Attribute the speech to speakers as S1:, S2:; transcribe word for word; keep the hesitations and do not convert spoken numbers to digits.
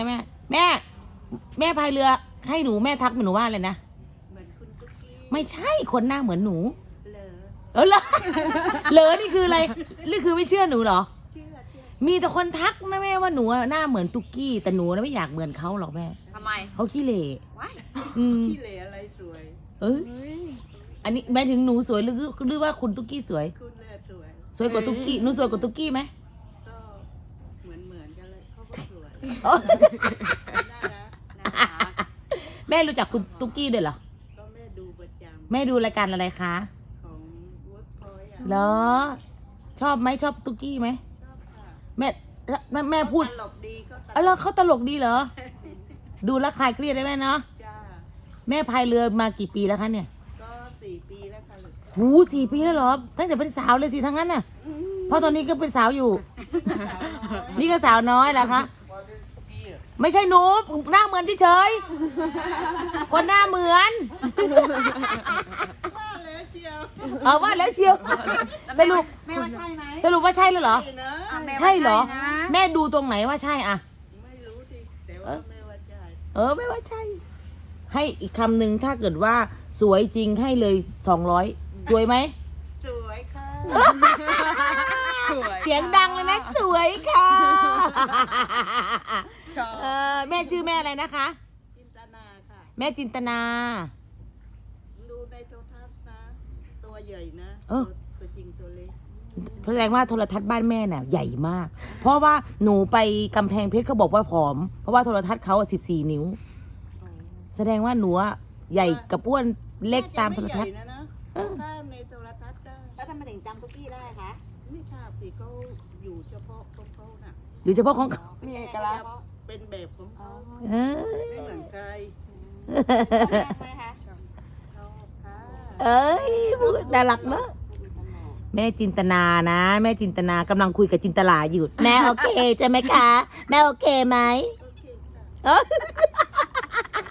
S1: แม่แม่แม่พายเรือให้หนูแม่ทักหนูว่าอะไรนะ
S2: เหมือนคุณตุ๊กกี้
S1: ไม่ใช่คนหน้าเหมือนหนู
S2: เหลอ
S1: เออเหรอเหลอนี่คืออะไรนี่คือไม่เชื่อหนูเหรอ
S2: เชื่อเชื่อ
S1: มีแต่คนทักนะแม่ว่าหนูหน้าเหมือนตุ๊กกี้แต่หนูไม่อยากเหมือนเขาหรอกแม่
S3: ทำไม
S1: เขาขี้เหร่
S2: ว้าย
S1: อืม
S2: ขี้เหร่อะไรสวย
S1: เอออันนี้หมายถึงหนูสวยหรือหรือว่าคุณตุ๊กกี้สวย
S2: คุณแลสวย
S1: สวยกว่าตุ๊กกี้หนูสวยกว่าตุ๊กกี้ไหม
S2: ก็เหมือนเหมือนกันเลยเขาก็สวยน่ารัก
S3: น่ารัก
S1: แม่รู้จักคุณตุ๊กกี้ด้วยเหรอ
S2: ก็แม่ดูประจำ
S1: แม่ดูรายการอะไรคะ
S2: ของเวิร์กพอยต์อ่ะ
S1: เหรอชอบไหมชอบตุ๊กกี้ไหม
S2: ชอบค่ะ
S1: แม่แม่แม่พูด
S2: ตลกดีเขาต
S1: เออ
S2: ล
S1: แล้ว
S2: ก
S1: เขาตลกดีเหรอดูแลวคลายเครียดได้ไหมเนาะ
S2: จ้า
S1: แม่พายเรือมากี่ปีแล้วคะเนี่ย
S2: ก็สี่ปีแล้วค่ะลูก
S1: หูสี่ปีแล้วเหรอตั้งแต่เป็นสาวเลยสิทั้งนั้นน่ะเพราะตอนนี้ก็เป็นสาวอยู่
S2: สาวน้อย
S1: นี่ก็สาวน้อยแหละคะไม่ใช่หนูหน้าเหมือนที่เฉยคนหน้าเหมือน
S2: ว่าแล้วเชียว
S1: เออว่าแล้วเชียวสรุป
S3: แม่ว่าใช่ไหม
S1: สรุปว่าใช่แล้วเหรอ
S2: ใช่นะ
S3: อ่ะแม่ว่า
S1: ใช่เหรอ
S3: นะ
S1: แม่ดูตรงไหนว่าใช่อะ
S2: ไม่รู้สิแต่ว่าแม่ว่าใช่
S1: เออไม่ว่าใช่ ให้อีกคำหนึ่งถ้าเกิดว่าสวยจริงให้เลยสองร้อยสวยไหม
S2: สวยค่ะ
S3: สวย
S1: เสียงดังเลยนะสวยค่ะ
S3: ชอบ
S1: เออแม่ชื่อแม่อะไรนะคะ
S2: จินตนาค่ะ
S1: แม่จินตนา
S2: ดูในโทรทัศน์นะ ตัวใหญ่นะ
S1: เออ
S2: ตัวจริงตัวเล็ก
S1: แสดงว่าโทรทัศน์บ้านแม่น่ะใหญ่มาก เพราะว่าหนูไปกำแพงเพชรเขาบอกว่าผอม เพราะว่าโทรทัศน์เขาสิบสี่นิ้ว แสดงว่าหนูอะใหญ่กับอ้วนเล็กตามโทรทัศน์
S2: น่าจะไม่ใหญ่นะนะ
S1: เออ
S2: ตามในโทรทัศน์ได้
S3: แล้วทำไมถึงจำตุ๊กกี้ได้คะ
S2: ไม่ทราบสิเขาอยู่เฉพาะของเขาน่ะ
S1: หรือเฉพาะของเขา
S3: มีเอกลักษณ์
S2: เป็นแบบของเขา
S1: เออ
S2: ไม่เหมือนใคร
S3: ชอบไหมคะ
S2: ชอบค่ะ
S1: เอ้ยพูดน่ารักเนอะแม่จินตนานะ แม่จินตนากำลังคุยกับจินตลาอยู่แม่โอเคใช่ไหมคะ แม่โอเคไหม
S2: โอเคค่ะ
S1: เออ